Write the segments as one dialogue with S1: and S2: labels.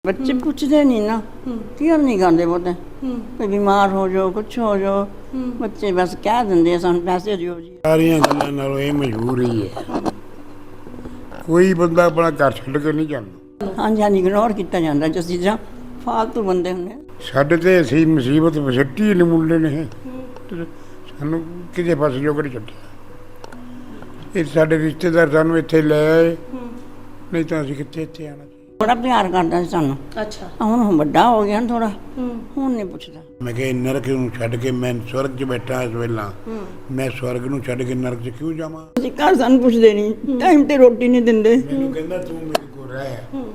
S1: बच्चे पूछते नहीं ना, केयर नहीं करते बहुते। कोई बीमार हो जाओ, कुछ हो जाओ, बच्चे बस कह देंगे सानू पैसे दिओ जी।
S2: सारियां गल्लां नालों ये मशहूर ही है, कोई बंदा अपना घर छड्ड के नहीं जांदा।
S1: हाँ जी, हाँ जी, इग्नोर किया जाता जो चीज़ां फालतू बंदे होंगे।
S2: ਸਾਡੇ ਤੇ ਅਸੀਂ ਮੁਸੀਬਤ ਵਸੱਟੀ ਨੇ ਮੁੰਡੇ ਨੇ ਸਾਨੂੰ ਕਿਸੇ ਪਾਸੇ ਜੋਗਰ ਛੱਡਿਆ। ਇਹ ਸਾਡੇ ਰਿਸ਼ਤੇਦਾਰ ਸਾਨੂੰ ਇੱਥੇ ਲੈ ਆਏ, ਨਹੀਂ ਤਾਂ ਅਸੀਂ ਕਿੱਥੇ ਇੱਥੇ ਆਣਾ।
S1: बड़ा प्यार करता सी सानू।
S3: अच्छा
S1: ਹੁਣ ਵੱਡਾ ਹੋ ਗਿਆ ਥੋੜਾ, ਹੁਣ ਨਹੀਂ ਪੁੱਛਦਾ।
S2: ਮੈਂ ਕਿਹਾ ਨਰਕ ਨੂੰ ਛੱਡ ਕੇ ਮੈਂ ਸਵਰਗ 'ਚ ਬੈਠਾ ਇਸ ਵੇਲਾ, ਮੈਂ ਸਵਰਗ ਨੂੰ ਛੱਡ ਕੇ ਨਰਕ 'ਚ ਕਿਉਂ ਜਾਵਾਂ।
S1: ਅਸੀਂ ਘਰ ਸਾਨੂੰ ਪੁੱਛਦੇ ਨਹੀਂ, ਟਾਈਮ ਤੇ ਰੋਟੀ ਨਹੀਂ ਦਿੰਦੇ।
S2: ਮੈਨੂੰ ਕਹਿੰਦਾ ਤੂੰ ਮੇਰੇ ਕੋਲ ਰਹਿ,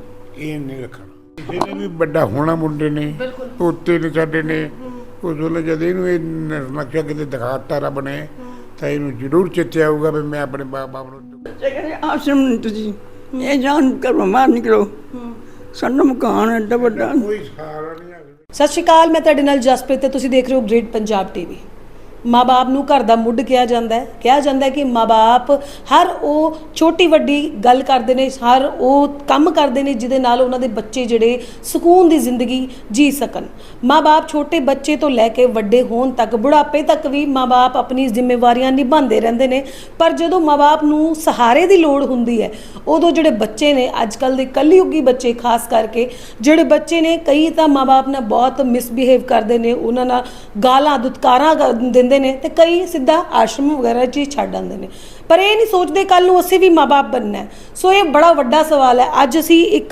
S2: ਇਹ ਨਹੀਂ ਰੱਖਣਾ। ਕਿਸੇ ਨੇ ਵੀ ਵੱਡਾ ਹੋਣਾ ਮੁੰਡੇ ਨੇ, ਪੋਤੇ ਨੇ ਸਾਡੇ ਨੇ। ਉਸ ਵੇਲੇ ਜਦ ਇਹਨੂੰ ਇਹ ਨਕਸ਼ਾ ਕਿਤੇ ਦਿਖਾਤਾ ਰੱਬ ਨੇ, ਤਾਂ ਇਹਨੂੰ ਜ਼ਰੂਰ ਚੇਤੇ ਆਊਗਾ ਵੀ ਮੈਂ ਆਪਣੇ ਬਾਪ ਨੂੰ।
S1: ਬੱਚੇ ਕਹਿੰਦੇ ਆਸ਼ਰਮ ਨਹੀਂ ਤੁਸੀਂ ਇਹ ਜਾਨ ਘਰੋਂ ਬਾਹਰ ਨਿਕਲੋ, ਸਾਡਾ ਮਕਾਨ ਐਡਾ ਵੱਡਾ।
S2: ਕੋਈ ਸਹਾਰਾ ਨਹੀਂ ਆ।
S3: ਸਤਿ ਸ਼੍ਰੀ ਅਕਾਲ, ਮੈਂ ਤੁਹਾਡੇ ਨਾਲ ਜਸਪ੍ਰੀਤ ਤੇ ਤੁਸੀਂ ਦੇਖ ਰਹੇ ਹੋ ਗ੍ਰੇਟ ਪੰਜਾਬ ਟੀਵੀ। ਮਾਂ-ਬਾਪ ਨੂੰ ਘਰ ਦਾ ਮੁੱਢ ਕਿਹਾ ਜਾਂਦਾ ਹੈ ਕਿ ਮਾਂ-ਬਾਪ ਹਰ ਉਹ ਛੋਟੀ ਵੱਡੀ ਗੱਲ ਕਰਦੇ ਨੇ, ਹਰ ਉਹ ਕੰਮ ਕਰਦੇ ਨੇ ਜਿਹਦੇ ਨਾਲ ਉਹਨਾਂ ਦੇ ਬੱਚੇ ਜਿਹੜੇ ਸਕੂਨ ਦੀ ਜ਼ਿੰਦਗੀ ਜੀ ਸਕਣ। ਮਾਂ-ਬਾਪ ਛੋਟੇ ਬੱਚੇ ਤੋਂ ਲੈ ਕੇ ਵੱਡੇ ਹੋਣ ਤੱਕ, ਬੁਢਾਪੇ ਤੱਕ ਵੀ ਮਾਂ-ਬਾਪ ਆਪਣੀ ਜ਼ਿੰਮੇਵਾਰੀਆਂ ਨਿਭਾਉਂਦੇ ਰਹਿੰਦੇ ਨੇ। ਪਰ ਜਦੋਂ ਮਾਂ-ਬਾਪ ਨੂੰ ਸਹਾਰੇ ਦੀ ਲੋੜ ਹੁੰਦੀ ਹੈ, ਉਦੋਂ ਜਿਹੜੇ ਬੱਚੇ ਨੇ, ਅੱਜ ਕੱਲ੍ਹ ਦੇ ਕਲਯੁਗੀ ਬੱਚੇ ਖਾਸ ਕਰਕੇ ਜਿਹੜੇ ਬੱਚੇ ਨੇ, ਕਈ ਤਾਂ ਮਾਂ-ਬਾਪ ਨਾਲ ਬਹੁਤ ਮਿਸਬਿਹੇਵ ਕਰਦੇ ਨੇ, ਉਹਨਾਂ ਨਾਲ ਗਾਲਾਂ ਦੁਤਕਾਰਾਂ ਦਿੰਦੇ ਨੇ, ਤੇ ਕਈ ਸਿੱਧਾ ਆਸ਼ਰਮ ਵਗੈਰਾ 'ਚ ਹੀ ਛੱਡ ਆਉਂਦੇ ਨੇ। ਪਰ ਇਹ ਨਹੀਂ ਸੋਚਦੇ ਕੱਲ ਨੂੰ ਅਸੀਂ ਵੀ ਮਾਂ-ਬਾਪ ਬਣਨਾ ਹੈ। ਸੋ ਇਹ ਬੜਾ ਵੱਡਾ ਸਵਾਲ ਹੈ। ਅੱਜ ਅਸੀਂ ਇੱਕ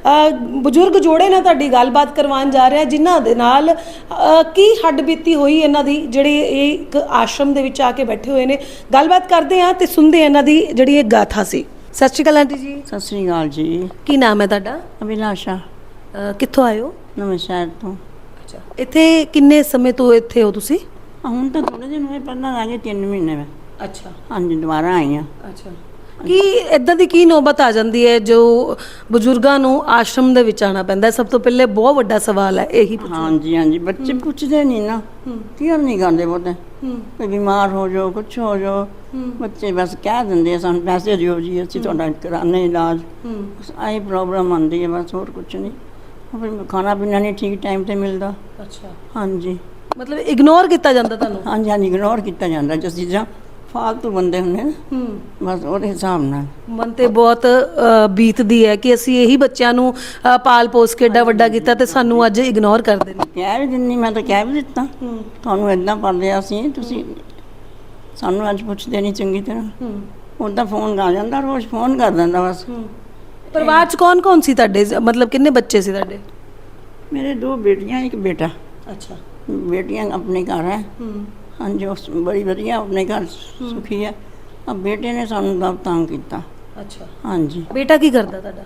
S3: ਬਜ਼ੁਰਗ ਜੋੜੇ ਨਾਲ ਤੁਹਾਡੀ ਗੱਲਬਾਤ ਕਰਵਾਉਣ ਜਾ ਰਹੇ ਹਾਂ, ਜਿਨ੍ਹਾਂ ਦੇ ਨਾਲ ਕੀ ਹੱਡ ਬੀਤੀ ਹੋਈ ਇਹਨਾਂ ਦੀ, ਜਿਹੜੇ ਇਹ ਇੱਕ ਆਸ਼ਰਮ ਦੇ ਵਿੱਚ ਆ ਕੇ ਬੈਠੇ ਹੋਏ ਨੇ। ਗੱਲਬਾਤ ਕਰਦੇ ਹਾਂ ਤੇ ਸੁਣਦੇ ਹਾਂ ਇਹਨਾਂ ਦੀ ਜਿਹੜੀ ਇਹ ਗਾਥਾ ਸੀ। ਸਤਿ ਸ਼੍ਰੀ ਅਕਾਲ ਆਂਟੀ ਜੀ।
S1: ਸਤਿ ਸ੍ਰੀ ਅਕਾਲ ਜੀ।
S3: ਕੀ ਨਾਮ ਹੈ ਤੁਹਾਡਾ?
S1: ਅਭਿਲਾਸ਼ਾ,
S3: ਕਿੱਥੋਂ ਆਏ ਹੋ?
S1: ਨਵੇਂ ਸ਼ਹਿਰ ਤੋਂ।
S3: ਅੱਛਾ, ਇੱਥੇ ਕਿੰਨੇ ਸਮੇਂ ਤੋਂ ਇੱਥੇ ਹੋ ਤੁਸੀਂ?
S1: ਹੁਣ ਤਾਂ ਥੋੜੇ ਦਿਨ ਹੋਏ, ਪਹਿਲਾਂ ਆ ਗਏ 3 ਮਹੀਨੇ ਮੈਂ।
S3: ਅੱਛਾ
S1: ਹਾਂਜੀ, ਦੁਬਾਰਾ ਆਈ ਹਾਂ।
S3: ਅੱਛਾ, ਕੀ ਇਦਾਂ ਦੀ ਕੀ ਨੌਬਤ ਆ ਜਾਂਦੀ ਹੈ ਜੋ ਬਜ਼ੁਰਗਾਂ ਨੂੰ ਆਸ਼ਰਮ ਦੇ ਵਿੱਚ ਆਉਣਾ ਪੈਂਦਾ? ਸਭ ਤੋਂ ਪਹਿਲੇ ਬਹੁਤ ਵੱਡਾ ਸਵਾਲ ਹੈ ਇਹੀ ਪੁੱਛਣਾ।
S1: ਹਾਂਜੀ ਹਾਂਜੀ, ਬੱਚੇ ਪੁੱਛਦੇ ਨਹੀਂ ਨਾ, ਕੇਅਰ ਨਹੀਂ ਕਰਦੇ ਬਹੁਤੇ। ਕੋਈ ਬਿਮਾਰ ਹੋ ਜਾਓ, ਕੁਛ ਹੋ ਜਾਓ, ਬੱਚੇ ਬਸ ਕਹਿ ਦਿੰਦੇ ਸਾਨੂੰ ਪੈਸੇ ਦਿਓ ਜੀ, ਅਸੀਂ ਤੁਹਾਡਾ ਕਰਾਉਂਦੇ ਇਲਾਜ। ਆਹੀ ਪ੍ਰੋਬਲਮ ਆਉਂਦੀ ਹੈ ਬਸ, ਹੋਰ ਕੁਛ ਨਹੀਂ। ਫਿਰ ਖਾਣਾ ਪੀਣਾ ਨਹੀਂ ਠੀਕ ਟਾਈਮ 'ਤੇ ਮਿਲਦਾ।
S3: ਅੱਛਾ,
S1: ਹਾਂਜੀ,
S3: ਮਤਲਬ ਇਗਨੋਰ ਕੀਤਾ ਜਾਂਦਾ ਤੁਹਾਨੂੰ?
S1: ਹਾਂਜੀ ਹਾਂਜੀ, ਇਗਨੋਰ ਕੀਤਾ ਜਾਂਦਾ ਜੋ ਚੀਜ਼ਾਂ ਫਾਲਤੂ ਬੰਦੇ ਹੁੰਦੇ ਨਾ, ਬਸ ਉਹਦੇ ਹਿਸਾਬ ਨਾਲ।
S3: ਮਨ ਤੇ ਬਹੁਤ ਬੀਤਦੀ ਹੈ ਕਿ ਅਸੀਂ ਇਹੀ ਬੱਚਿਆਂ ਨੂੰ ਪਾਲ ਪੋਸ ਕੇ ਏਡਾ ਵੱਡਾ ਕੀਤਾ ਤੇ ਸਾਨੂੰ ਅੱਜ ਇਗਨੋਰ ਕਰਦੇ ਨੇ।
S1: ਕਹਿ ਵੀ ਦਿੰਦੀ, ਮੈਂ ਤਾਂ ਕਹਿ ਵੀ ਦਿੱਤਾ ਤੁਹਾਨੂੰ ਇੱਦਾਂ ਪੜ੍ਹਦੇ ਅਸੀਂ, ਤੁਸੀਂ ਸਾਨੂੰ ਅੱਜ ਪੁੱਛਦੇ ਨਹੀਂ ਚੰਗੀ ਤਰ੍ਹਾਂ। ਉੱਦਾਂ ਫੋਨ ਆ ਜਾਂਦਾ, ਰੋਜ਼ ਫੋਨ ਕਰ ਦਿੰਦਾ ਬਸ।
S3: ਪਰਿਵਾਰ 'ਚ ਕੌਣ ਕੌਣ ਸੀ ਤੁਹਾਡੇ? ਮਤਲਬ ਕਿੰਨੇ ਬੱਚੇ ਸੀ ਤੁਹਾਡੇ?
S1: ਮੇਰੇ 2 ਬੇਟੀਆਂ, ਇੱਕ ਬੇਟਾ।
S3: ਅੱਛਾ,
S1: ਬੇਟੀਆਂ ਆਪਣੇ ਘਰ ਹੈ। ਹਾਂਜੀ, ਉਸ ਬੜੀ ਵਧੀਆ ਆਪਣੇ ਘਰ ਸੁਖੀ ਹੈ। ਆ ਬੇਟੇ ਨੇ ਸਾਨੂੰ ਬਹੁਤ ਤੰਗ ਕੀਤਾ।
S3: ਅੱਛਾ,
S1: ਹਾਂਜੀ।
S3: ਬੇਟਾ ਕੀ ਕਰਦਾ ਤੁਹਾਡਾ?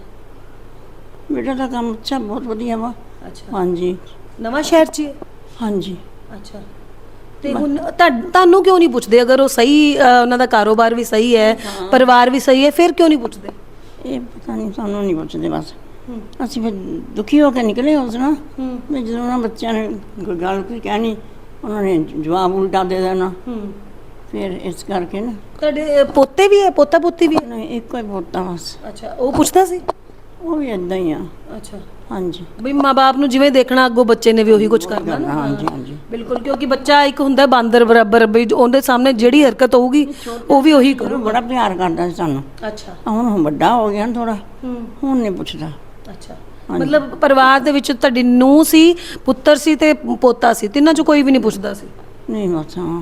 S1: ਬੇਟਾ ਦਾ ਕੰਮ ਅੱਛਾ, ਬਹੁਤ ਵਧੀਆ ਵਾ।
S3: ਅੱਛਾ,
S1: ਹਾਂਜੀ।
S3: ਨਵਾਂ ਸ਼ਹਿਰ 'ਚ ਹੀ ਹੈ?
S1: ਹਾਂਜੀ।
S3: ਅੱਛਾ, ਤੇ ਹੁਣ ਤੁਹਾਨੂੰ ਕਿਉਂ ਨਹੀਂ ਪੁੱਛਦੇ? ਅਗਰ ਉਹ ਸਹੀ, ਉਹਨਾਂ ਦਾ ਕਾਰੋਬਾਰ ਵੀ ਸਹੀ ਹੈ, ਪਰਿਵਾਰ ਵੀ ਸਹੀ ਹੈ, ਫਿਰ ਕਿਉਂ ਨਹੀਂ ਪੁੱਛਦੇ?
S1: ਇਹ ਪਤਾ ਨਹੀਂ, ਸਾਨੂੰ ਨਹੀਂ ਪੁੱਛਦੇ ਬਸ। ਅਸੀਂ ਫਿਰ ਦੁਖੀ ਹੋ ਕੇ ਨਿਕਲੇ ਉਸ ਨਾਲ ਵੀ ਜਦੋਂ ਉਹਨਾਂ ਬੱਚਿਆਂ ਨੇ ਕੋਈ ਗੱਲ ਕੋਈ ਕਹਿਣੀ, ਉਹਨਾਂ ਨੇ ਜਵਾਬ ਉਲਟਾ ਦੇ ਦੇਣਾ। ਫਿਰ ਇਸ ਕਰਕੇ ਨਾ।
S3: ਤੁਹਾਡੇ ਪੋਤੇ ਵੀ ਹੈ, ਪੋਤਾ ਪੋਤੀ ਵੀ ਹੈ?
S1: ਨਹੀਂ, ਇੱਕੋ ਹੀ ਪੋਤਾ ਬਸ।
S3: ਅੱਛਾ, ਉਹ ਪੁੱਛਦਾ ਸੀ?
S1: ਉਹ ਵੀ ਇੱਦਾਂ ਹੀ ਆ।
S3: ਅੱਛਾ,
S1: ਹਾਂਜੀ,
S3: ਵੀ ਮਾਂ-ਬਾਪ ਨੂੰ ਜਿਵੇਂ ਦੇਖਣਾ, ਅੱਗੋਂ ਬੱਚੇ ਨੇ ਵੀ ਉਹੀ ਕੁਝ ਕਰਨਾ ਨਾ।
S1: ਹਾਂਜੀ ਹਾਂਜੀ,
S3: ਬਿਲਕੁਲ, ਕਿਉਂਕਿ ਬੱਚਾ ਇੱਕ ਹੁੰਦਾ ਬਾਂਦਰ ਬਰਾਬਰ, ਵੀ ਉਹਦੇ ਸਾਹਮਣੇ ਜਿਹੜੀ ਹਰਕਤ ਹੋਊਗੀ ਉਹ ਵੀ ਉਹੀ ਕਰੂ।
S1: ਬੜਾ ਪਿਆਰ ਕਰਦਾ ਸੀ ਸਾਨੂੰ।
S3: ਅੱਛਾ,
S1: ਹੁਣ ਵੱਡਾ ਹੋ ਗਿਆ ਥੋੜਾ, ਹੁਣ ਨਹੀਂ ਪੁੱਛਦਾ।
S3: ਅੱਛਾ, ਮਤਲਬ ਪਰਿਵਾਰ ਦੇ ਵਿੱਚ ਤੁਹਾਡੀ ਨੂੰਹ ਸੀ, ਪੁੱਤਰ ਸੀ ਤੇ ਪੋਤਾ ਸੀ, ਤਿੰਨਾਂ ਚੋਂ ਕੋਈ ਵੀ ਨਹੀਂ ਪੁੱਛਦਾ ਸੀ?
S1: ਨਹੀਂ ਬਸ, ਹਾਂ,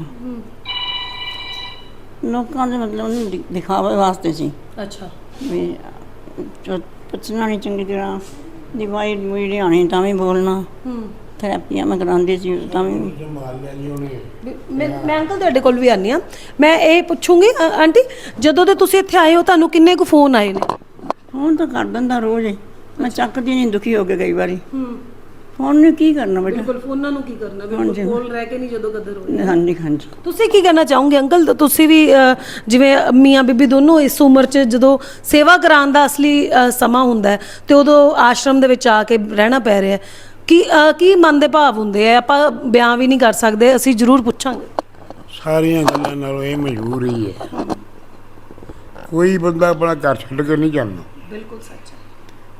S1: ਲੋਕਾਂ ਦੇ ਮਤਲਬ ਉਹਨੂੰ ਦਿਖਾਵੇ ਵਾਸਤੇ ਸੀ
S3: ਅੱਛਾ,
S1: ਵੀ ਪੁੱਛਣਾ ਨਹੀਂ ਚੰਗੀ ਤਰ੍ਹਾਂ। ਦਵਾਈ ਦਵਾਈ ਲਿਆਉਣੀ ਤਾਂ ਵੀ ਬੋਲਣਾ। ਥੈਰੇਪੀਆਂ ਮੈਂ ਕਰਾਉਂਦੀ ਸੀ ਤਾਂ ਵੀ।
S3: ਮੈਂ ਅੰਕਲ ਤੁਹਾਡੇ ਕੋਲ ਵੀ ਆਉਂਦੀ ਹਾਂ। ਮੈਂ ਇਹ ਪੁੱਛੂੰਗੀ ਆਂਟੀ, ਜਦੋਂ ਦੇ ਤੁਸੀਂ ਇੱਥੇ ਆਏ ਹੋ ਤੁਹਾਨੂੰ ਕਿੰਨੇ ਕੁ ਫੋਨ ਆਏ ਨੇ?
S1: ਫੋਨ ਤਾਂ ਕਰ ਦਿੰਦਾ ਰੋਜ਼ ਹੀ, ਮੈਂ ਚੱਕਦੀ ਨਹੀਂ, ਦੁਖੀ ਹੋ ਕੇ ਕਈ ਵਾਰੀ। ਫੋਨ ਨੂੰ ਕੀ ਕਰਨਾ ਬੇਟਾ?
S3: ਬਿਲਕੁਲ, ਫੋਨਾਂ ਨੂੰ ਕੀ ਕਰਨਾ, ਬਿਲਕੁਲ ਕੋਲ ਰਹਿ ਕੇ ਨਹੀਂ ਜਦੋਂ ਕਦਰ ਹੋਈ।
S1: ਹਾਂਜੀ ਹਾਂਜੀ।
S3: ਤੁਸੀਂ ਕੀ ਕਹਿਣਾ ਚਾਹੋਗੇ ਅੰਕਲ? ਤੁਸੀਂ ਵੀ ਜਿਵੇਂ ਮੀਆਂ ਬੀਬੀ ਦੋਨੋਂ ਇਸ ਉਮਰ 'ਚ ਜਦੋਂ ਸੇਵਾ ਕਰਾਉਣ ਦਾ ਅਸਲੀ ਸਮਾਂ ਹੁੰਦਾ ਤੇ ਉਦੋਂ ਆਸ਼ਰਮ ਦੇ ਵਿੱਚ ਆ ਕੇ ਰਹਿਣਾ ਪੈ ਰਿਹਾ, ਕੀ ਮਨ ਦੇ ਭਾਵ ਹੁੰਦੇ ਆ? ਆਪਾਂ ਬਿਆਨ ਵੀ ਨਹੀਂ ਕਰ ਸਕਦੇ, ਅਸੀਂ ਜ਼ਰੂਰ ਪੁੱਛਾਂਗੇ।
S2: ਸਾਰੀਆਂ ਗੱਲਾਂ ਨਾਲੋਂ ਇਹ ਮਸ਼ਹੂਰ ਹੀ ਹੈ, ਕੋਈ ਬੰਦਾ ਆਪਣਾ ਘਰ ਛੱਡ ਕੇ ਨਹੀਂ ਜਾਂਦਾ।
S3: ਬਿਲਕੁਲ ਸੱਚ ਹੈ।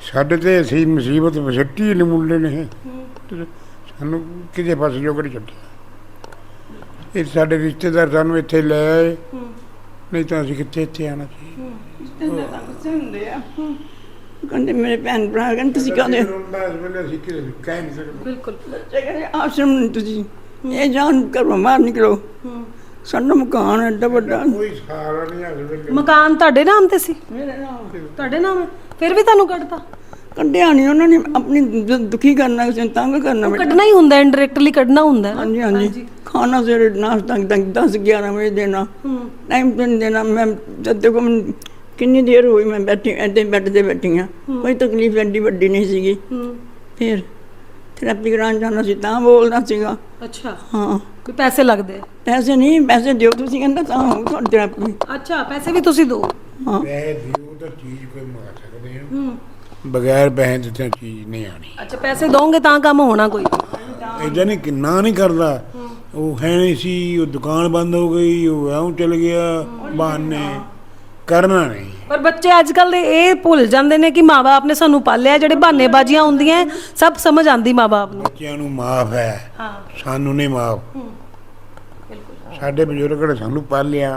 S2: ਸਾਡੇ ਤੇ ਅਸੀਂ ਮੁਸੀਬਤ ਵਸੱਟੀ ਨੇ ਮੁੰਡੇ ਨੇ ਤੇ ਸਾਨੂੰ ਕਿਸੇ ਪਾਸੇ ਜੋਗਰ ਛੱਡਿਆ। ਇਹ ਸਾਡੇ ਰਿਸ਼ਤੇਦਾਰ ਸਾਨੂੰ ਇੱਥੇ ਲੈ ਆਏ, ਨਹੀਂ ਤਾਂ ਅਸੀਂ ਕਿੱਥੇ ਇੱਥੇ ਆਣਾ ਸੀ।
S1: ਹੁੰਦੇ ਆ ਕਹਿੰਦੇ ਮੇਰੇ ਭੈਣ ਭਰਾ ਕਹਿੰਦੇ ਤੁਸੀਂ ਕਾਹਦੇ
S2: ਇਸ ਵੇਲੇ ਅਸੀਂ ਕਿਸੇ ਨੂੰ ਕਹਿ ਨਹੀਂ ਸਕਦੇ।
S3: ਬਿਲਕੁਲ।
S1: ਬੱਚੇ ਕਹਿੰਦੇ ਆਸ਼ਰਮ ਨੂੰ ਤੁਸੀਂ ਇਹ ਜਾਣ ਘਰੋਂ ਬਾਹਰ ਨਿਕਲੋ, ਸਾਡਾ ਮਕਾਨ ਐਡਾ ਵੱਡਾ।
S2: ਕੋਈ ਸਹਾਰਾ ਨਹੀਂ ਇਸ ਵੇਲੇ।
S3: ਮਕਾਨ ਤੁਹਾਡੇ ਨਾਮ ਤੇ ਸੀ?
S1: ਮੇਰੇ ਨਾਲ
S3: ਤੁਹਾਡੇ ਨਾਮ ਹੈ, ਫਿਰ ਵੀ ਤੁਹਾਨੂੰ ਕੱਢਤਾ?
S1: ਕੱਢਿਆ ਨਹੀਂ ਉਹਨਾਂ ਨੇ, ਆਪਣੀ ਦੁਖੀ ਕਰਨਾ, ਕਿਸੇ ਨੂੰ ਤੰਗ ਕਰਨਾ।
S3: ਉਹ ਕੱਢਣਾ ਹੀ ਹੁੰਦਾ, ਇਨਡਾਇਰੈਕਟਲੀ ਕੱਢਣਾ ਹੁੰਦਾ ਹੈ ਨਾ।
S1: ਹਾਂਜੀ ਹਾਂਜੀ, ਖਾਣਾ ਸਵੇਰੇ ਨਾਸ਼ਤਾ ਤੱਕ 10-11 ਵਜੇ ਦੇਣਾ, ਟਾਈਮ ਤੇ ਨਹੀਂ ਦੇਣਾ। ਮੈਂ ਜਦ ਤੱਕ ਕਿੰਨੀ ਦੇਰ ਹੋਈ ਮੈਂ ਬੈਠੀ ਐਡੇ ਬੈੱਡ ਤੇ ਬੈਠੀ ਹਾਂ, ਕੋਈ ਤਕਲੀਫ ਐਡੀ ਵੱਡੀ ਨਹੀਂ ਸੀਗੀ। ਫਿਰ ਥੈਰੇਪੀ ਕਰਾਉਣ ਜਾਣਾ ਸੀ ਤਾਂ ਬੋਲਦਾ ਸੀਗਾ।
S3: ਅੱਛਾ,
S1: ਹਾਂ।
S3: ਕੋਈ ਪੈਸੇ ਲੱਗਦੇ ਆ?
S1: ਪੈਸੇ ਨਹੀਂ, ਪੈਸੇ ਦਿਓ ਤੁਸੀਂ, ਕਹਿੰਦਾ ਤਾਂ ਹੋਊ ਤੁਹਾਡੀ ਥੈਰੇਪੀ।
S3: ਅੱਛਾ, ਪੈਸੇ ਵੀ ਤੁਸੀਂ ਦਿਓ?
S1: ਹਾਂ।
S2: ਪੈਸੇ ਦਿਓ ਤਾਂ ਚੀਜ਼ ਕੋਈ ਮੰਗਾ ਸਕਦੇ ਹਾਂ, ਬਗੈਰ ਪੈਸੇ ਦਿੱਤੇ ਚੀਜ਼ ਨਹੀਂ ਆਣੀ।
S3: ਅੱਛਾ, ਪੈਸੇ ਦੋਗੇ ਤਾਂ ਕੰਮ ਹੋਣਾ ਕੋਈ?
S2: ਇਦਾਂ ਨਹੀਂ ਕਿ ਨਾ ਨਹੀਂ ਕਰਦਾ, ਉਹ ਹੈ ਨਹੀਂ ਸੀ, ਉਹ ਦੁਕਾਨ ਬੰਦ ਹੋ ਗਈ, ਉਹ ਐਉਂ ਚਲ ਗਿਆ, ਬਹਾਨੇ ਕਰਨਾ ਨਹੀਂ।
S3: ਪਰ ਬੱਚੇ ਅੱਜ ਕੱਲ ਦੇ ਇਹ ਭੁੱਲ ਜਾਂਦੇ ਨੇ ਕਿ ਮਾਂ-ਬਾਪ ਨੇ ਸਾਨੂੰ ਪਾਲਿਆ, ਜਿਹੜੇ ਬਹਾਨੇਬਾਜ਼ੀਆਂ ਹੁੰਦੀਆਂ ਸਭ ਸਮਝ ਆਉਂਦੀ ਮਾਂ-ਬਾਪ ਨੂੰ।
S2: ਬੱਚਿਆਂ ਨੂੰ ਮਾਫ ਹੈ,
S3: ਹਾਂ,
S2: ਸਾਨੂੰ ਨਹੀਂ ਮਾਫ।
S3: ਬਿਲਕੁਲ।
S2: ਸਾਡੇ ਬਜ਼ੁਰਗ ਨੇ ਸਾਨੂੰ ਪਾਲਿਆ,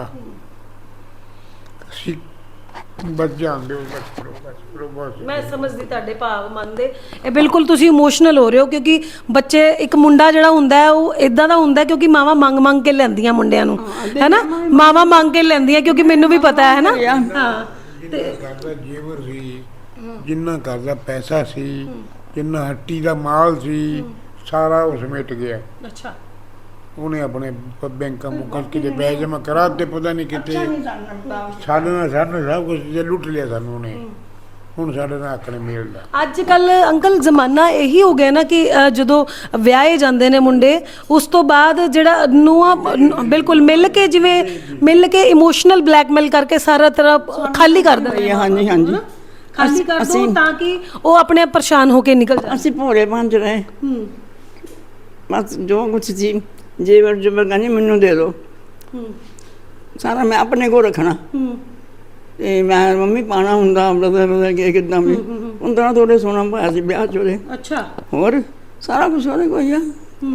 S2: ਅਸੀਂ ਬਚ ਜਾਂਦੇ ਹੋ, ਬਸ ਕਰੋ ਬਸ।
S3: ਮੈਂ ਸਮਝਦੀ ਤੁਹਾਡੇ ਭਾਵ ਮੰਨਦੇ। ਇਹ ਬਿਲਕੁਲ ਤੁਸੀਂ ਇਮੋਸ਼ਨਲ ਹੋ ਰਹੇ ਹੋ, ਕਿਉਂਕਿ ਬੱਚੇ, ਇੱਕ ਮੁੰਡਾ ਜਿਹੜਾ ਹੁੰਦਾ ਹੈ ਉਹ ਇਦਾਂ ਦਾ ਹੁੰਦਾ ਕਿਉਂਕਿ ਮਾਵਾਂ ਮੰਗ ਕੇ ਲੈਂਦੀਆਂ ਮੁੰਡਿਆਂ ਨੂੰ, ਹੈਨਾ? ਮਾਵਾਂ ਮੰਗ ਕੇ ਲੈਂਦੀਆਂ, ਕਿਉਂਕਿ ਮੈਨੂੰ ਵੀ ਪਤਾ ਹੈ ਨਾ। ਹਾਂ,
S2: ਤੇ ਘਰ ਦਾ ਜੇਵਰ ਸੀ, ਜਿੰਨਾ ਘਰ ਦਾ ਪੈਸਾ ਸੀ, ਜਿੰਨਾ ਹੱਟੀ ਦਾ ਮਾਲ ਸੀ, ਸਾਰਾ ਉਸ ਮਿਟ ਗਿਆ।
S3: ਅੱਛਾ।
S2: ਉਹਨੇ ਆਪਣੇ ਬੈਂਕਾਂ ਮੁੱਕਾਂ ਕਿਤੇ ਪੈਸੇ ਜਮ੍ਹਾਂ ਕਰਾ ਤੇ ਪਤਾ ਨਹੀਂ ਕਿਤੇ ਸਾਡੇ ਨਾਲ ਸਭ ਕੁਝ ਲੁੱਟ ਲਿਆ ਸਾਨੂੰ ਉਹਨੇ। ਹੁਣ ਸਾਡੇ ਨਾਲ ਆਖਣੇ ਮਿਲਦਾ।
S3: ਅੱਜ ਕੱਲ ਅੰਕਲ ਜ਼ਮਾਨਾ ਇਹੀ ਹੋ ਗਿਆ ਨਾ ਕਿ ਜਦੋਂ ਵਿਆਹੇ ਜਾਂਦੇ ਨੇ ਮੁੰਡੇ, ਉਸ ਤੋਂ ਬਾਅਦ ਜਿਹੜਾ ਨੂੰਹਾਂ ਬਿਲਕੁਲ ਮਿਲ ਕੇ, ਜਿਵੇਂ ਮਿਲ ਕੇ ਇਮੋਸ਼ਨਲ ਬਲੈਕਮੇਲ ਕਰਕੇ ਸਾਰਾ ਤਰ੍ਹਾਂ ਖਾਲੀ ਕਰ ਦਿੰਦੇ ਆ।
S1: ਹਾਂਜੀ ਹਾਂਜੀ,
S3: ਖਾਲੀ ਕਰ ਦੋ ਤਾਂ ਕਿ ਉਹ ਆਪਣੇ ਆਪ ਪਰੇਸ਼ਾਨ ਹੋ ਕੇ ਨਿਕਲ ਜਾਣ।
S1: ਅਸੀਂ ਭੋਲੇ ਬਣ ਰਹੇ, ਬਸ ਜੋ ਕੁਛ ਸੀ ਜੇਵਰ ਜੁਬਰ ਕਹਿੰਦੇ ਮੈਨੂੰ ਦੇ ਦਿਓ, ਸਾਰਾ ਮੈਂ ਆਪਣੇ ਕੋਲ ਰੱਖਣਾ। ਤੇ ਮੈਂ ਮੰਮੀ ਪਾਣਾ ਹੁੰਦਾ ਬਦਲ ਕੇ ਕਿੱਦਾਂ ਵੀ ਹੁੰਦਾ, ਥੋੜੇ ਸੋਨਾ ਪਾਇਆ ਸੀ ਵਿਆਹ ਚ ਉਹਦੇ।
S3: ਅੱਛਾ।
S1: ਹੋਰ ਸਾਰਾ ਕੁਛ ਉਹਦੇ ਕੋਈ ਆ।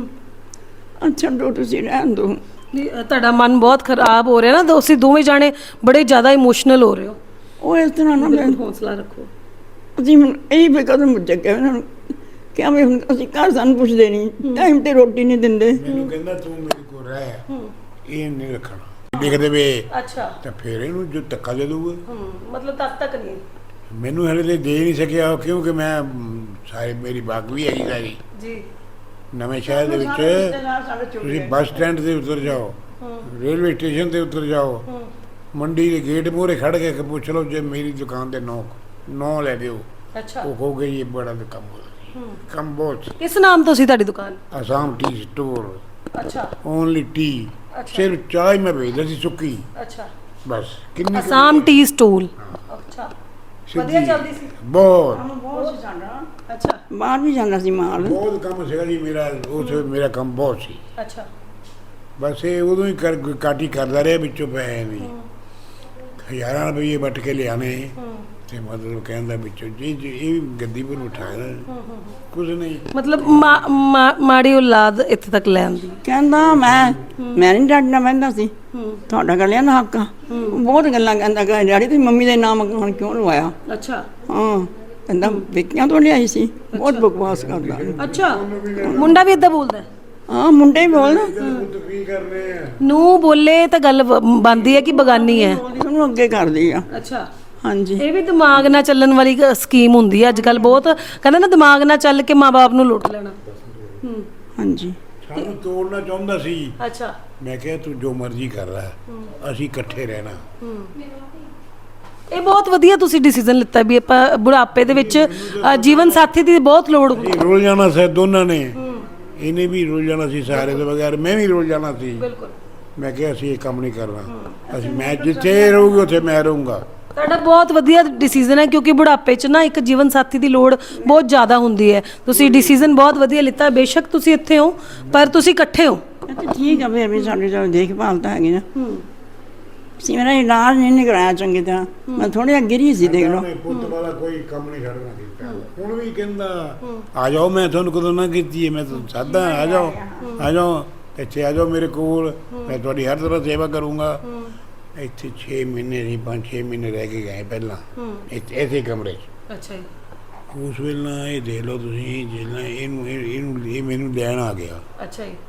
S1: ਅੱਛਾ ਡੋ ਤੁਸੀਂ ਰਹਿਣ ਦਿਓ।
S3: ਤੁਹਾਡਾ ਮਨ ਬਹੁਤ ਖਰਾਬ ਹੋ ਰਿਹਾ ਨਾ, ਤੁਸੀਂ ਦੋਵੇਂ ਜਾਣੇ ਬੜੇ ਜ਼ਿਆਦਾ ਇਮੋਸ਼ਨਲ ਹੋ ਰਹੇ ਹੋ।
S1: ਉਹ ਇਸ ਤਰ੍ਹਾਂ ਨਾ
S3: ਹੌਸਲਾ ਰੱਖੋ।
S1: ਅਸੀਂ ਹੁਣ ਇਹ ਵੀ ਕਦਮ ਚੱਕਿਆ ਇਹਨਾਂ ਨੂੰ ਕਿ ਵੀ ਹੁਣ ਅਸੀਂ ਘਰ ਸਾਨੂੰ ਪੁੱਛਦੇ ਨਹੀਂ, ਟਾਈਮ ਤੇ ਰੋਟੀ ਨਹੀਂ ਦਿੰਦੇ।
S2: ਮੈਨੂੰ ਕਹਿੰਦਾ ਤੂੰ ਮੇਰੇ ਕੋਲ ਰਹਿ, ਇਹ ਨਹੀਂ ਰੱਖਣਾ, ਦੇਖਦੇ ਵੇ।
S3: ਅੱਛਾ।
S2: ਤਾਂ ਫਿਰ ਇਹਨੂੰ ਜੋ ਧੱਕਾ ਦੇ ਦੂਗਾ।
S3: ਮਤਲਬ ਤਦ ਤੱਕ ਨਹੀਂ?
S2: ਮੈਨੂੰ ਹਲੇ ਤੇ ਦੇ ਨਹੀਂ ਸਕਿਆ, ਕਿਉਂਕਿ ਮੈਂ ਸਾਰੇ ਮੇਰੀ ਬਾਗ ਵੀ ਹੈਗੀ ਸਾਰੀ
S3: ਜੀ।
S2: ਨਵੇਂ ਸ਼ਹਿਰ ਦੇ ਵਿੱਚ ਤੁਸੀਂ ਬੱਸ ਸਟੈਂਡ ਤੇ ਉਤਰ ਜਾਓ, ਰੇਲਵੇ ਸਟੇਸ਼ਨ ਤੇ ਉਤਰ ਜਾਓ, ਮੰਡੀ ਦੇ ਗੇਟ ਮੂਹਰੇ ਖੜ ਕੇ ਪੁੱਛ ਲਓ ਜੇ ਮੇਰੀ ਦੁਕਾਨ ਦੇ ਨੌ ਲੈ ਦਿਓ।
S3: ਅੱਛਾ।
S2: ਉਹ ਕਹੋਗੇ ਇਹ ਬੜਾ ਕੰਮ ਹੋ ਕੰਮ ਬਹੁਤ।
S3: ਕਿਸ ਨਾਮ ਤੋਂ ਸੀ ਤੁਹਾਡੀ ਦੁਕਾਨ?
S2: Assam tea store.
S3: ਅੱਛਾ।
S2: ਓਨਲੀ ਟੀ, ਸਿਰਫ ਚਾਹ ਹੀ ਮੈਂ ਵੇਚਦਾ ਸੀ ਸੁੱਕੀ।
S3: ਅੱਛਾ।
S2: ਬਸ ਕਿੰਨੀ
S3: ਆਸਾਮ ਟੀ ਸਟੋਲ। ਅੱਛਾ, ਵਧੀਆ ਚੱਲਦੀ ਸੀ?
S2: ਬਹੁਤ
S3: ਅੱਛਾ।
S1: ਬਾਹਰ ਵੀ ਜਾਂਦਾ ਸੀ ਮਾਲ।
S2: ਬਹੁਤ ਕੰਮ ਸੀਗਾ ਜੀ ਮੇਰਾ, ਉਸ ਮੇਰਾ ਕੰਮ ਬਹੁਤ ਸੀ।
S3: ਅੱਛਾ।
S2: ਬਸ ਇਹ ਉਦੋਂ ਹੀ ਕਾਟੀ ਕਰਦਾ ਰਿਹਾ, ਵਿੱਚੋਂ ਪੈਸੇ ਵੀ ਹਜ਼ਾਰਾਂ ਰੁਪਏ ਵੱਟ ਕੇ ਲਿਆਣੇ ਤੇ ਮਤਲਬ ਕਹਿੰਦਾ ਵਿੱਚੋਂ ਜੀ ਇਹ ਵੀ ਗੱਦੀ ਪਰ ਬਿਠਾਇਆ, ਕੁਝ ਨਹੀਂ।
S3: ਮਤਲਬ ਮਾੜੀ ਔਲਾਦ ਇੱਥੇ ਤੱਕ ਲੈ ਆਂਦੀ।
S1: ਕਹਿੰਦਾ ਮੈਂ ਨਹੀਂ ਡੈਡੀ ਨਾਲ ਬਹਿੰਦਾ ਸੀ, ਤੁਹਾਡਾ ਗੱਲਿਆਂ ਦਾ ਹੱਕ ਆ। ਬਹੁਤ ਗੱਲਾਂ ਕਹਿੰਦਾ ਕਿ ਡੈਡੀ ਤੁਸੀਂ ਮੰਮੀ ਦੇ ਨਾਮ ਮਕਾਨ ਕਿਉਂ ਲਵਾਇਆ।
S3: ਅੱਛਾ।
S1: ਹਾਂ, ਕਹਿੰਦਾ ਵੇਖਿਆ ਤੋਂ ਲਿਆਈ ਸੀ, ਬਹੁਤ ਬਕਵਾਸ ਕਰਦਾ।
S3: ਅੱਛਾ, ਮੁੰਡਾ ਵੀ ਏਦਾਂ ਬੋਲਦਾ?
S1: ਹਾਂ, ਮੁੰਡੇ ਹੀ ਬੋਲਦਾ।
S2: ਕੀ ਕਰਨੇ ਆ,
S3: ਨੂੰ ਬੋਲੇ ਤਾਂ ਗੱਲ ਬਣਦੀ ਹੈ ਕਿ ਬਗਾਨੀ ਹੈ।
S1: ਉਹਨੂੰ ਅੱਗੇ ਕਰਦੀ ਆ।
S3: ਅੱਛਾ।
S1: ਹਾਂਜੀ,
S3: ਇਹ ਵੀ ਦਿਮਾਗ ਨਾਲ ਚੱਲਣ ਵਾਲੀ ਸਕੀਮ ਹੁੰਦੀ ਹੈ ਅੱਜ ਕੱਲ ਬਹੁਤ। ਕਹਿੰਦੇ ਨਾ ਦਿਮਾਗ ਨਾਲ ਚੱਲ ਕੇ ਮਾਂ-ਬਾਪ ਨੂੰ ਲੁੱਟ ਲੈਣਾ।
S1: ਹਾਂਜੀ।
S2: ਸਾਨੂੰ ਤੋੜਨਾ ਚਾਹੁੰਦਾ ਸੀ।
S3: ਅੱਛਾ।
S2: ਮੈਂ ਕਿਹਾ ਤੂੰ ਜੋ ਮਰਜ਼ੀ ਕਰ ਲੈ, ਅਸੀਂ ਇਕੱਠੇ ਰਹਿਣਾ।
S3: ਇਹ ਬਹੁਤ ਵਧੀਆ ਤੁਸੀਂ ਡਿਸੀਜਨ ਲਿੱਤਾ ਵੀ ਆਪਾਂ ਬੁਢਾਪੇ ਦੇ ਵਿੱਚ ਜੀਵਨ ਸਾਥੀ ਦੀ ਬਹੁਤ ਲੋੜ ਹੁੰਦੀ
S2: ਇਹ ਰੁੱਲ ਜਾਣਾ ਸੀ ਦੋਨਾਂ ਨੇ, ਇਹਨੇ ਵੀ ਰੁੱਲ ਜਾਣਾ ਸੀ ਸਾਰੇ ਦੇ ਬਗੈਰ, ਮੈਂ ਵੀ ਰੁੱਲ ਜਾਣਾ ਸੀ।
S3: ਬਿਲਕੁਲ।
S2: ਮੈਂ ਕਿਹਾ ਅਸੀਂ ਇਹ ਕੰਮ ਨਹੀਂ ਕਰਨਾ, ਅਸੀਂ ਮੈਂ ਜਿੱਥੇ ਰਹੂਗੀ ਉੱਥੇ ਮੈਂ ਰਹੂੰਗਾ।
S3: ਤੁਹਾਡਾ ਬਹੁਤ ਵਧੀਆ ਡਿਸੀਜਨ ਹੈ, ਕਿਉਂਕਿ ਬੁਢਾਪੇ 'ਚ ਨਾ ਇੱਕ ਜੀਵਨ ਸਾਥੀ ਦੀ ਲੋੜ ਬਹੁਤ ਜ਼ਿਆਦਾ ਹੁੰਦੀ ਹੈ। ਤੁਸੀਂ ਡਿਸੀਜਨ ਬਹੁਤ ਵਧੀਆ ਲਿੱਤਾ। ਬੇਸ਼ੱਕ ਤੁਸੀਂ ਇੱਥੇ ਹੋ ਪਰ ਤੁਸੀਂ ਇਕੱਠੇ ਹੋ।
S1: ਅੱਛਾ ਠੀਕ ਆ, ਫਿਰ ਵੀ ਸਾਡੇ ਤੋਂ ਦੇਖਭਾਲ ਤਾਂ ਹੈਗੀ ਨਾ। ਸੀ ਮੇਰਾ ਇਲਾਜ ਨਹੀਂ ਕਰਾਇਆ ਚੰਗੀ ਤਰ੍ਹਾਂ, ਮੈਂ ਥੋੜ੍ਹਾ ਜਿਹਾ ਗਿਰੀ ਸੀ ਦੇਖ ਲਓ।
S2: ਉਹਨੇ ਪੁੱਤ ਵਾਲਾ ਕੋਈ ਕੰਮ ਨਹੀਂ ਛੱਡਣਾ ਕੀਤਾ। ਹੁਣ ਵੀ ਕਹਿੰਦਾ ਆ ਜਾਓ, ਮੈਂ ਤੁਹਾਨੂੰ ਕਦੋਂ ਨਾ ਕੀਤੀ ਹੈ, ਮੈਂ ਤੁਹਾਨੂੰ ਸਾਦਾ ਆ ਜਾਓ, ਆ ਜਾਓ ਇੱਥੇ, ਆ ਜਾਓ ਮੇਰੇ ਕੋਲ, ਮੈਂ ਤੁਹਾਡੀ ਹਰ ਤਰ੍ਹਾਂ ਸੇਵਾ ਕਰੂੰਗਾ। ਇੱਥੇ 6 ਮਹੀਨੇ ਨਹੀਂ 5-6 ਮਹੀਨੇ ਰਹਿ ਕੇ ਗਏ ਪਹਿਲਾਂ ਇੱਥੇ ਇਸੇ ਕਮਰੇ 'ਚ।
S3: ਅੱਛਾ ਜੀ।
S2: ਉਸ ਵੇਲੇ ਇਹ ਦੇਖ ਲਓ ਤੁਸੀਂ, ਜਿੰਨਾ ਇਹ ਮੈਨੂੰ ਲੈਣ ਆ ਗਿਆ।
S3: ਅੱਛਾ ਜੀ।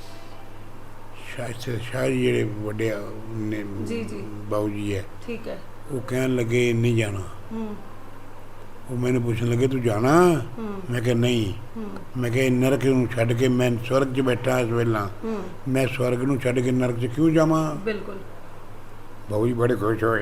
S2: ਸ਼ਾਹ ਜੀ ਜਿਹੜੇ ਵੱਡੇ ਨੇ
S3: ਜੀ
S2: ਬਾਊ ਜੀ ਹੈ,
S3: ਠੀਕ ਹੈ।
S2: ਉਹ ਕਹਿਣ ਲੱਗੇ ਨਹੀਂ ਜਾਣਾ। ਉਹ ਮੈਨੂੰ ਪੁੱਛਣ ਲੱਗੇ ਤੂੰ ਜਾਣਾ? ਮੈਂ ਕਿਹਾ ਨਹੀਂ। ਮੈਂ ਕਿਹਾ ਨਰਕ ਨੂੰ ਛੱਡ ਕੇ ਮੈਂ ਸਵਰਗ 'ਚ ਬੈਠਾ ਇਸ ਵੇਲੇ, ਮੈਂ ਸਵਰਗ ਨੂੰ ਛੱਡ ਕੇ ਨਰਕ 'ਚ ਕਿਉਂ ਜਾਵਾਂ?
S3: ਬਿਲਕੁਲ।
S2: ਬਾਊ ਜੀ ਬੜੇ ਖੁਸ਼ ਹੋਏ।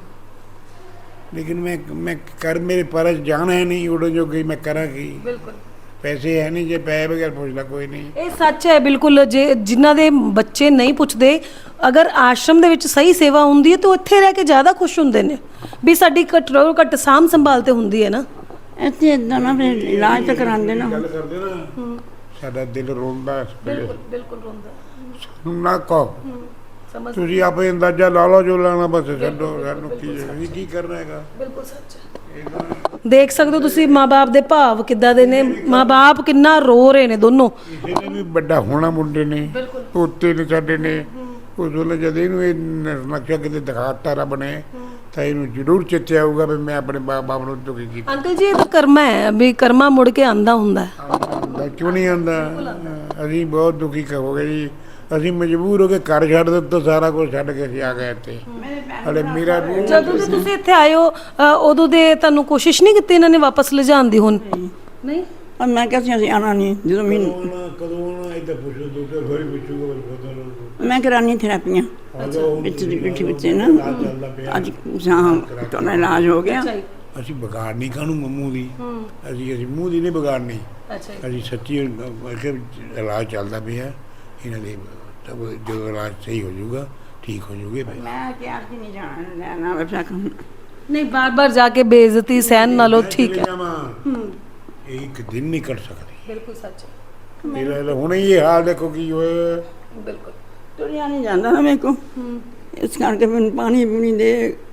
S2: ਲੇਕਿਨ ਮੈਂ ਕਰ ਮੇਰੇ ਪਰ ਜਾਨ ਹੈ ਨਹੀਂ ਉਡੋ ਜੋ ਗਈ, ਮੈਂ ਕਰਾਂ ਕੀ?
S3: ਬਿਲਕੁਲ।
S2: ਪੈਸੇ ਹੈ ਨਹੀਂ, ਜੇ ਪੈਸੇ ਬਗੈਰ ਪੁੱਛਦਾ ਕੋਈ ਨਹੀਂ।
S3: ਇਹ ਸੱਚ ਹੈ ਬਿਲਕੁਲ। ਜੇ ਜਿਨ੍ਹਾਂ ਦੇ ਬੱਚੇ ਨਹੀਂ ਪੁੱਛਦੇ, ਅਗਰ ਆਸ਼ਰਮ ਦੇ ਵਿੱਚ ਸਹੀ ਸੇਵਾ ਹੁੰਦੀ ਹੈ ਤਾਂ ਇੱਥੇ ਰਹਿ ਕੇ ਜ਼ਿਆਦਾ ਖੁਸ਼ ਹੁੰਦੇ ਨੇ ਵੀ ਸਾਡੀ ਘੱਟ ਸਾਂਭ ਸੰਭਾਲ ਤੇ ਹੁੰਦੀ ਹੈ ਨਾ।
S1: ਇੱਥੇ ਇਦਾਂ ਨਾ ਫਿਰ ਇਲਾਜ ਤਾਂ ਕਰਾਉਂਦੇ ਨਾ।
S2: ਗੱਲ ਕਰਦੇ ਨਾ, ਸਾਡਾ ਦਿਲ ਰੋਂਦਾ ਇਸ ਵੇਲੇ।
S3: ਬਿਲਕੁਲ ਰੋਂਦਾ।
S2: ਸਾਨੂੰ ਨਾ ਕਹੋ,
S3: ਸਮਝ।
S2: ਤੁਸੀਂ ਆਪੇ ਅੰਦਾਜ਼ਾ ਲਾ ਲਓ ਜੋ ਲਾਣਾ, ਬਸ ਛੱਡੋ, ਸਾਨੂੰ ਕੀ ਕਰਨਾ ਹੈਗਾ।
S3: ਬਿਲਕੁਲ ਸੱਚ ਹੈ। ਦੇਖ ਸਕਦੇ ਹੋ ਤੁਸੀਂ ਮਾਂ-ਬਾਪ ਦੇ ਭਾਵ ਕਿੱਦਾਂ ਦੇ ਨੇ, ਮਾਂ-ਬਾਪ ਕਿੰਨਾ ਰੋ ਰਹੇ ਨੇ ਦੋਨੋਂ।
S2: ਕਿਸੇ ਨੇ ਵੀ ਵੱਡਾ ਹੋਣਾ ਮੁੰਡੇ ਨੇ, ਪੋਤੇ ਨੇ ਸਾਡੇ ਨੇ, ਉਸ ਵੇਲੇ ਜਦ ਇਹਨੂੰ ਇਹ ਨਕਸ਼ਾ ਕਿਤੇ ਦਿਖਾਤਾ ਰੱਬ ਨੇ ਤਾਂ ਇਹਨੂੰ ਜ਼ਰੂਰ ਚੇਤੇ ਆਊਗਾ ਵੀ ਮੈਂ ਆਪਣੇ ਬਾਪ ਨੂੰ ਦੁਖੀ ਕੀਤਾ।
S3: ਅੰਕਲ ਜੀ ਇਹ ਤਾਂ ਕਰਮਾ ਹੈ ਵੀ ਕਰਮਾ ਮੁੜ ਕੇ ਆਂਦਾ ਹੁੰਦਾ ਹੈ।
S2: ਆਉਂਦਾ ਕਿਉਂ ਨਹੀਂ ਆਉਂਦਾ? ਅਸੀਂ ਬਹੁਤ ਦੁਖੀ ਹੋ ਗਏ ਜੀ, ਅਸੀਂ ਮਜਬੂਰ ਹੋ ਕੇ ਘਰ ਛੱਡ ਦਿੱਤਾ, ਸਾਰਾ ਕੁਝ ਛੱਡ ਕੇ ਅਸੀਂ ਆ ਗਏ ਇੱਥੇ। ਹਲੇ ਮੇਰਾ
S3: ਜਦੋਂ ਦੇ ਤੁਸੀਂ ਇੱਥੇ ਆਏ ਹੋ ਉਦੋਂ ਦੇ ਤੁਹਾਨੂੰ ਕੋਸ਼ਿਸ਼ ਨਹੀਂ ਕੀਤੀ ਇਹਨਾਂ ਨੇ ਵਾਪਸ ਲਿਜਾਣ ਦੀ? ਹੁਣ ਨਹੀਂ।
S1: ਪਰ ਮੈਂ ਕਿਹਾ ਸੀ ਅਸੀਂ ਆਉਣਾ ਨਹੀਂ, ਜਦੋਂ ਮੈਨੂੰ
S2: ਕਦੋਂ ਆਉਣਾ ਇੱਧਰ ਪੁੱਛੋ, ਦੂਸਰੇ ਘਰ ਪੁੱਛੂਗਾ।
S1: ਮੈਂ ਕਰਾਨੀ ਥੈਰੇਪੀਆਂ ਵਿੱਚ ਦੀ ਪਿੱਠ ਵਿੱਚ ਨਾ, ਅੱਜ ਹਾਂ ਤੁਹਾਡਾ ਇਲਾਜ ਹੋ ਗਿਆ।
S2: ਅਸੀਂ ਵਿਗਾੜਨੀ ਕਾਹਨੂੰ ਮੂੰਹ ਦੀ, ਅਸੀਂ ਮੂੰਹ ਦੀ ਨਹੀਂ ਵਿਗਾੜਨੀ। ਅਸੀਂ ਸੱਚੀ ਇਲਾਜ ਚੱਲਦਾ ਪਿਆ ਇਹਨਾਂ ਦੇ, ਜਦੋਂ ਇਲਾਜ ਸਹੀ ਹੋ ਜਾਊਗਾ, ਠੀਕ ਹੋ ਜਾਊਗੇ।
S1: ਮੈਂ ਕਿ ਅੱਜ ਨਹੀਂ ਜਾਣਾ ਲੈਣਾ ਬੱਚਾ ਕੰਮ
S3: ਨਹੀਂ, ਬਾਰ-ਬਾਰ ਜਾ ਕੇ ਬੇਇੱਜ਼ਤੀ ਸਹਿਣ ਨਾਲੋਂ ਠੀਕ ਹੈ।
S2: ਇਹ ਇੱਕ ਦਿਨ ਨਹੀਂ ਕੱਢ ਸਕਦੀ।
S3: ਬਿਲਕੁਲ ਸੱਚ ਹੈ।
S2: ਮੇਰਾ ਹੁਣ ਇਹ ਹਾਲ ਦੇਖੋ ਕੀ ਹੋਇਆ।
S3: ਬਿਲਕੁਲ।
S1: ਤੁਰਿਆ ਨਹੀਂ ਜਾਂਦਾ ਨਾ ਮੇਰੇ ਕੋ, ਇਸ ਕਰਕੇ ਮੈਨੂੰ ਪਾਣੀ ਪੂਣੀ ਦੇ।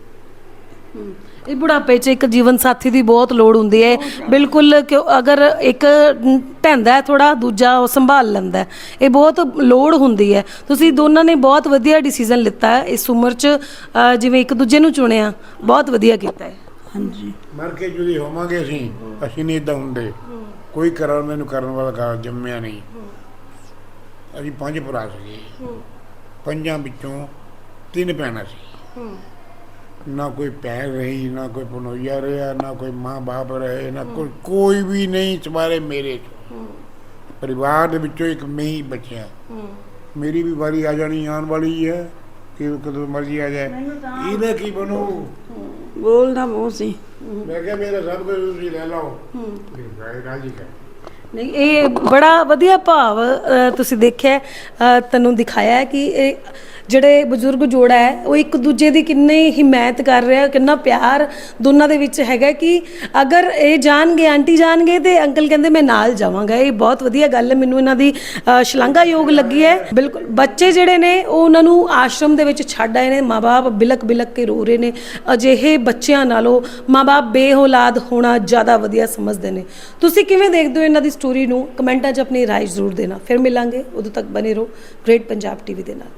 S3: ਇਹ ਬੁਢਾਪੇ 'ਚ ਇੱਕ ਜੀਵਨ ਸਾਥੀ ਦੀ ਬਹੁਤ ਲੋੜ ਹੁੰਦੀ ਹੈ। ਬਿਲਕੁਲ, ਕਿਉਂ ਅਗਰ ਇੱਕ ਢਹਿੰਦਾ ਥੋੜਾ, ਦੂਜਾ ਉਹ ਸੰਭਾਲ ਲੈਂਦਾ, ਇਹ ਬਹੁਤ ਲੋੜ ਹੁੰਦੀ ਹੈ। ਤੁਸੀਂ ਦੋਨਾਂ ਨੇ ਬਹੁਤ ਵਧੀਆ ਡਿਸੀਜਨ ਲਿੱਤਾ ਹੈ ਇਸ ਉਮਰ 'ਚ, ਜਿਵੇਂ ਇੱਕ ਦੂਜੇ ਨੂੰ ਚੁਣਿਆ, ਬਹੁਤ ਵਧੀਆ ਕੀਤਾ ਹੈ। ਹਾਂਜੀ।
S2: ਮਰ ਕੇ ਜੁਦੀ ਹੋਵਾਂਗੇ ਅਸੀਂ ਨਹੀਂ ਇਦਾਂ ਹੁੰਦੇ। ਕੋਈ ਮੈਨੂੰ ਕਰਨ ਵਾਲਾ ਘਰ ਜੰਮਿਆ ਨਹੀਂ। ਅਸੀਂ 5 ਭਰਾ ਸੀਗੇ, 5 ਵਿੱਚੋਂ 3 ਭੈਣਾਂ ਸੀ। ਨਾ ਕੋਈ ਭੈਣ ਰਹੀ, ਨਾ ਕੋਈ ਪਨੋਈਆ ਰਿਹਾ, ਨਾ ਕੋਈ ਮਾਂ ਬਾਪ ਰਹੇ, ਨਾ ਕੋਈ ਵੀ ਨਹੀਂ ਸਿਵਾਏ ਮੇਰੇ। ਪਰਿਵਾਰ ਦੇ ਵਿੱਚੋਂ ਇੱਕ ਮੈਂ ਹੀ ਬਚਿਆ। ਮੇਰੀ ਵੀ ਵਾਰੀ ਆ ਜਾਣੀ, ਆਉਣ ਵਾਲੀ ਹੈ, ਕਿ ਕਦੋਂ ਮਰਜ਼ੀ ਆ ਜਾਏ। ਇਹਦਾ ਕੀ ਬਣੂ?
S1: ਬੋਲਦਾ ਬਹੁਤ ਸੀ।
S2: ਮੈਂ ਕਿਹਾ ਮੇਰਾ ਸਭ ਕੁਝ ਤੁਸੀਂ ਲੈ ਲਓ, ਰਾਜੀ ਕਰ।
S3: ਨਹੀਂ, ਇਹ ਬੜਾ ਵਧੀਆ ਭਾਵ ਤੁਸੀਂ ਦੇਖਿਆ, ਤੈਨੂੰ ਦਿਖਾਇਆ ਕਿ ਇਹ ਜਿਹੜੇ ਬਜ਼ੁਰਗ ਜੋੜਾ ਹੈ ਉਹ ਇੱਕ ਦੂਜੇ ਦੀ ਕਿੰਨੀ ਹਿਮਾਇਤ ਕਰ ਰਿਹਾ, ਕਿੰਨਾ ਪਿਆਰ ਦੋਨਾਂ ਦੇ ਵਿੱਚ ਹੈਗਾ ਕਿ ਅਗਰ ਇਹ ਜਾਣਗੇ, ਆਂਟੀ ਜਾਣਗੇ ਤੇ ਅੰਕਲ ਕਹਿੰਦੇ ਮੈਂ ਨਾਲ ਜਾਵਾਂਗਾ। ਇਹ ਬਹੁਤ ਵਧੀਆ ਗੱਲ ਹੈ, ਮੈਨੂੰ ਇਹਨਾਂ ਦੀ ਸ਼ਲਾਘਾਯੋਗ ਲੱਗੀ ਹੈ। ਬਿਲਕੁਲ, ਬੱਚੇ ਜਿਹੜੇ ਨੇ ਉਹ ਉਹਨਾਂ ਨੂੰ ਆਸ਼ਰਮ ਦੇ ਵਿੱਚ ਛੱਡ ਆਏ ਨੇ, ਮਾਂ-ਬਾਪ ਬਿਲਕ ਕੇ ਰੋ ਰਹੇ ਨੇ। ਅਜਿਹੇ ਬੱਚਿਆਂ ਨਾਲੋਂ ਮਾਂ-ਬਾਪ ਬੇਔਲਾਦ ਹੋਣਾ ਜ਼ਿਆਦਾ ਵਧੀਆ ਸਮਝਦੇ ਨੇ। ਤੁਸੀਂ ਕਿਵੇਂ ਦੇਖਦੇ ਹੋ ਇਹਨਾਂ ਦੀ ਸਟੋਰੀ ਨੂੰ? ਕਮੈਂਟਾਂ 'ਚ ਆਪਣੀ ਰਾਏ ਜ਼ਰੂਰ ਦੇਣਾ। ਫਿਰ ਮਿਲਾਂਗੇ, ਉਦੋਂ ਤੱਕ ਬਨੇ ਰਹੋ ਗ੍ਰੇਟ ਪੰਜਾਬ ਟੀਵੀ ਦੇ ਨਾਲ।